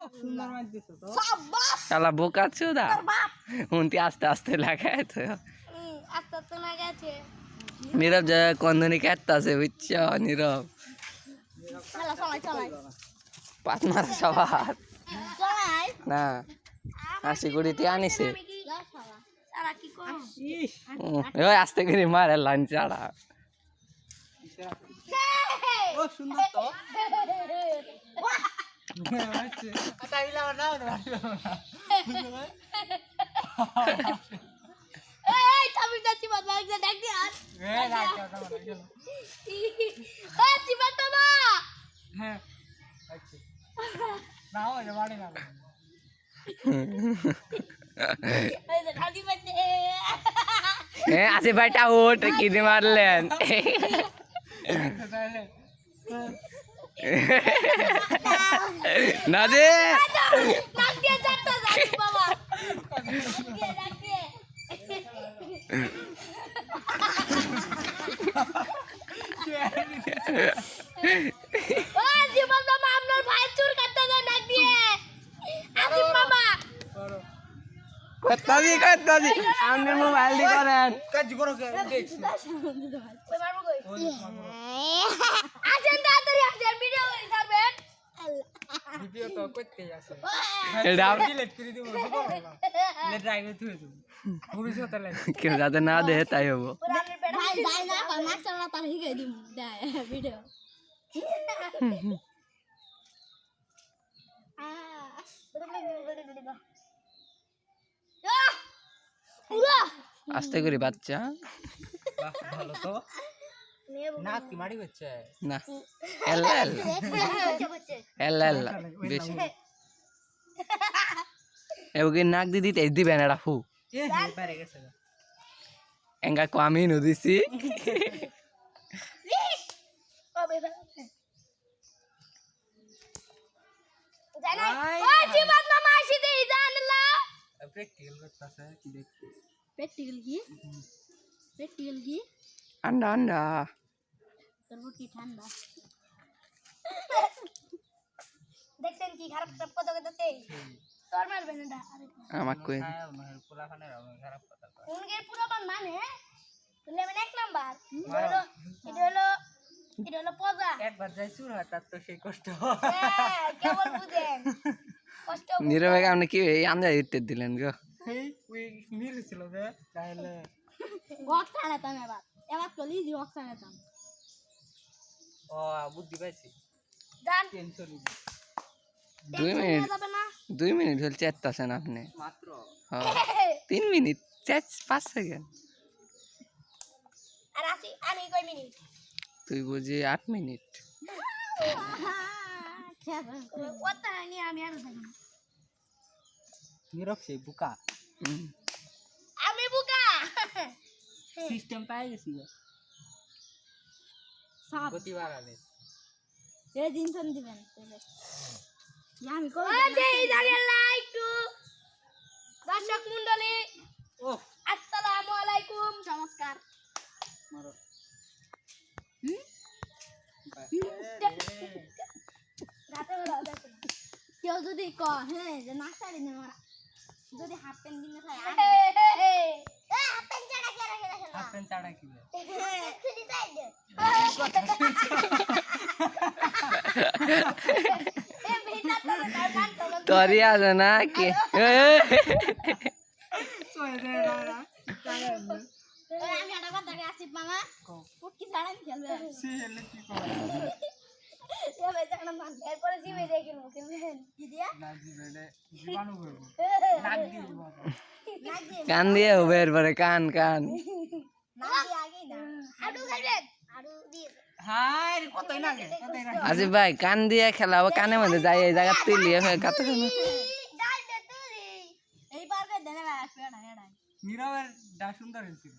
সুন্দর মার দিছো তো শালা বোকা চোদা উনতি আস্তে আস্তে লাগায় তো আস্তে আস্তে লাগাচ্ছে নীরব যা কন্দনি কাটতাছে বুঝছ নীরব চলাই পাত মারা সবার চলাই না হাসি কুড়িটি আনিছে সারা কি কর ইস ওই আস্তে করে মারে লাইন চাড়া ও সুন্দর তো আটা ইলা না এই তুমি যাচ্ছি বাবা একটা ডাক দি আর এই চিবা বাবা হ্যাঁ আচ্ছা নাও এটা বাড়ি না এই যে খালি বাজে আসে ভাইটা ওট কিনে মারলেন না দে ডাক দিয়ে যাচ্ছে যাচ্ছি বাবা ডাক দিয়ে ও জীবন বাবা আপনার ভাই চুর করতে যায় ডাক দিয়ে আসিফ বাবা কত্তাদি আপনি মোবাইল দি করেন কাজ করো দেখছি ওই মারবো কই আসেন তাড়াতাড়ি আসেন ভিডিও করে থাকবেন ভিডিও তো করতে আছে এটা ডিলিট করে দিব লে ড্রাইভে থুই দিব ভবিষ্যতে লাগে কেউ যাতে না দেহে তাই হবো ভাই যাই না মাছ চালা তার হিগে দিম ভিডিও আস্তে করে বাচ্চা বাহ ভালো তো না কি মারি হচ্ছে না এল্লা এল্লা বেশি এওকে নাক দি দিতে দিবেন এটা ফু এ পারে গেছে এঙ্গা কমি নু দিছি প্র্যাকটিক্যাল করতেছে কি দেখতে প্র্যাকটিক্যাল কি আন্ডা আন্ডা তোর কি ঠান্ডা দেখছেন কি খারাপ খারাপ কথা কইতাছে তোর মারবে না আমাক কই পোলাখানে খারাপ কথা উনকে পুরো মানে তুই আমি এক নাম্বার এটা হলো পজা একবার যাই শুরু হয় তার তো সেই কষ্ট কেবল বুঝেন কষ্ট নীরবে আপনি কি এই আন্দা ইটে দিলেন গো এই ওই মিলেছিল যে তাহলে বক্স আনাতাম এবার তো লিজি বক্স আনাতাম ও বুদ্ধি পাইছি জান টেনশন 2 মিনিট হল চেতাছেন আপনি মাত্র হ্যাঁ 3 মিনিট 5 সেকেন্ড আর আমি কই মিনিট তুই বুঝি 8 মিনিট কথা নি আমি আর থাকি নীরব সেই বুকা আমি বুকা সিস্টেম পাই গেছি সব গতি বাড়ালে এই দিন সন দিবেন আমি কই দেই দাঁড়িয়ে লাইক টু দর্শক মণ্ডলী ও আসসালামু আলাইকুম নমস্কার মারো রাতে বেলা দেখেন কেউ যদি ক হ্যাঁ যে না ছাড়ি না মারা যদি হাফ প্যান্ট কিনে খায় হাফ প্যান্ট ছাড়া কে রাখে রাখে হাফ প্যান্ট ছাড়া কি খুলি সাইড এ বেটা তো তার মান তো তরি আছে না কি আমি একটা কথা আসিফ মামা পুটকি ছাড়া খেলবে সে এলে কি করে এ বেচারা মান এরপরে জিমে দিয়ে খেলবো খেলবেন কি দিয়া না জিবেলে জীবাণু করব নাক দিয়ে দিব নাক দিয়ে কান দিয়ে হবে এরপরে কান কান নাক দিয়ে আগেই না আড়ু খাইবেন আড়ু দিয়ে হাই কতই লাগে আসিফ ভাই কান দিয়ে খেলাবো কানের মধ্যে যাই এই জায়গা তুলিয়ে গাতে ডাল দে তুই এই পারবে দেনে আসবে না এডা নীরবের ডা সুন্দর হয়েছিল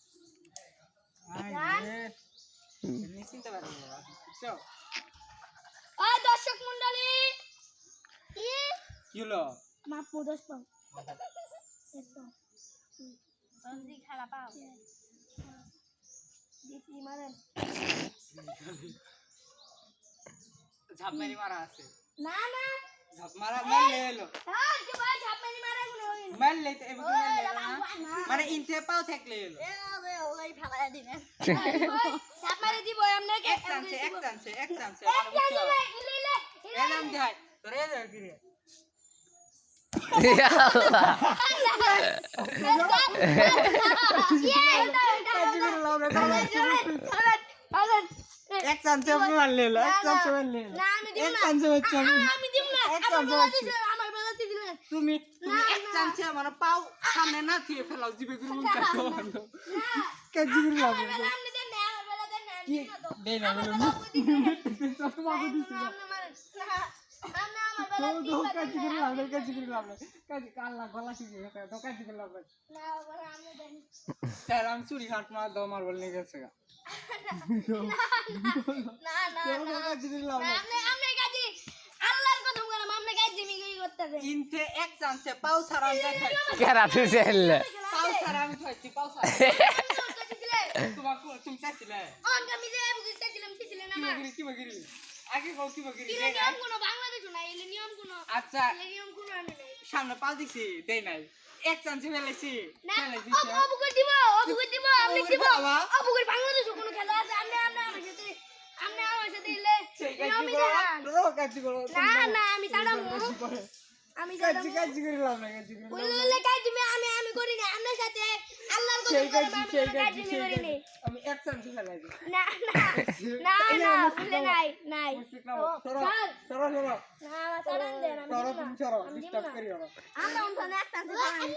নিশ্চিন্ত পারি বুঝছো ও দর্শক মণ্ডলী কি হলো মাপ মুদস পাও একদম সঞ্জি খালা পাও দিছি মারেন ঝাপ মারি মারা আছে না না ঝাপ মারা মেলে এলো হ্যাঁ কি ভাই ঝাপ মেরে মারা গুলো মেলে তো এমন মেলে না মানে ইনতে পাও থাকলে এলো ওই ফেলা দিবেন ঝাপ মেরে দিব আপনাকে এক চান্সে ইলে এলাম যাই তোরে এলো কি রে এক চান্সে মারলে এলো এক চান্সে মারলে এলো না আমি দিব এক না চান্সে হচ্ছে আমি দিব না এক চান্সে হচ্ছে আমার বেলাতে দিলেন তুমি এক চান্সে মানে পাও সামনে না দিয়ে ফেলাও জিবে গুলো মুখ কাটো কাজি গুলো লাগে আপনি দেন না আমার বেলা দেন না কি দেই না বলো তোমাকে দিছি না তো কাজি গুলো লাগে কাজি কাল্লা গলা শিখে গেছে তো কাজি গুলো লাগে স্যার আমি চুরি হাট মার দাও মার বল নিয়ে গেছে গা কাজি গুলো লাগে ইনতে এক চান্সে পাও সারা আমি খাইছি কেরা তুই চাইলে পাও সারা আমি খাইছি পাও সারা তোমাকে তুমি চাইছিলে কি বগিরি আগে কও কি বগিরি আচ্ছা সামনে পাও দিছি দেই নাই এক চান্সে ফেলেছি আমি কাজি করে লাভ না কাজি করে বললে কাজি আমি করি না আপনার সাথে আল্লাহর সেই কসম করে কাজি করি না আমি এক চান্সে ফেলাইছি না বললে নাই সরো সরো না সারান দেন আমি সরো তুমি সরো ডিস্টার্ব করিও না আমরা ওখানে এক চান্স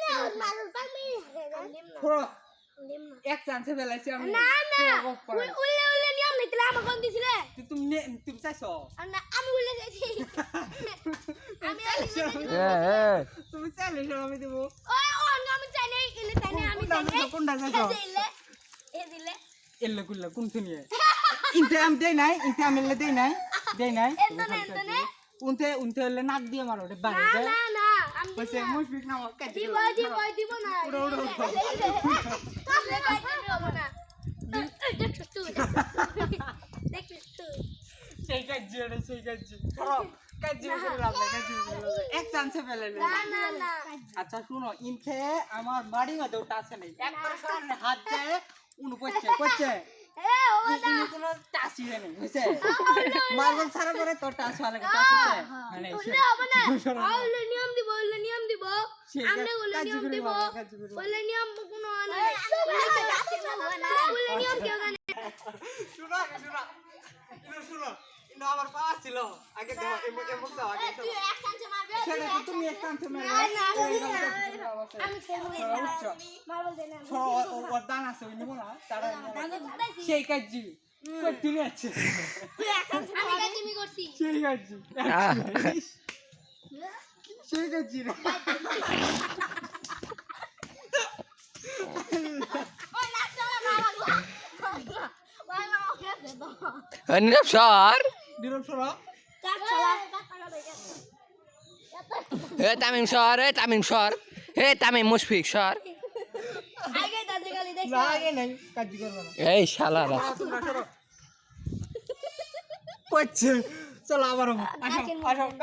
সরো এক চান্সে ফেলাইছি আমি না উল্লে নিয়ম নাই তাহলে আমার কোন দিছিলে তুমি চাইছো না আমি উল্লে যাইছি আমি তুমি চাইলে আমি দেবো আমি চাই নাই ইলে চাই নাই আমি চাই নাই কোনটা চাইছো এ দিলে এল্লে কুল্লা কোন শুনিয়ে ইনতে আমি দেই নাই ইনতে আমি দেই নাই এন্তনে উনতে হলে নাক দিয়ে মারো রে বাড়ি দে না আমি বসে মুশফিক না কাটি দিব না উড়ো সেই কাজি সরো কাজি করে লাভ নাই কাজি এক চান্সে ফেলাইলে না আচ্ছা শুনো ইনতে আমার বাড়ি মধ্যে ওটা আছে নাই একবার সামনে হাত যায় উনি করছে ইনি কোনো টাসি নেই বুঝছে মার্বল ছাড়া করে তো টাস হওয়া লাগে টাস হচ্ছে মানে উল্লে নিয়ম দিব আমরা উল্লে নিয়ম দিব উল্লে নিয়ম কোনো নাই উল্লে নিয়ম কেউ জানে শুনো ইনো আমার পা ছিল আগে দাও এমক দাও আগে তুই এক চান্স মারবে ছেড়ে তুমি এক চান্স মেরে আমি খেলবো মারবল দেনা ওর দান আছে ওই নিব না তারা সেই কাজি করতে আছে তুই এক চান্স আমি কাজ আমি করছি সেই কাজি সেই কাজি রে ওই নাচটা মারবো ওই মা ওকে দে দাও নীরব সর দিরম সরা কাট চলা তামিম সর তামিম মুশফিক সর আগে দাদা গালি দেখ না আগে নাই কাজি করব না এই শালারা তোমরা সরো করছে চলো আবার আসো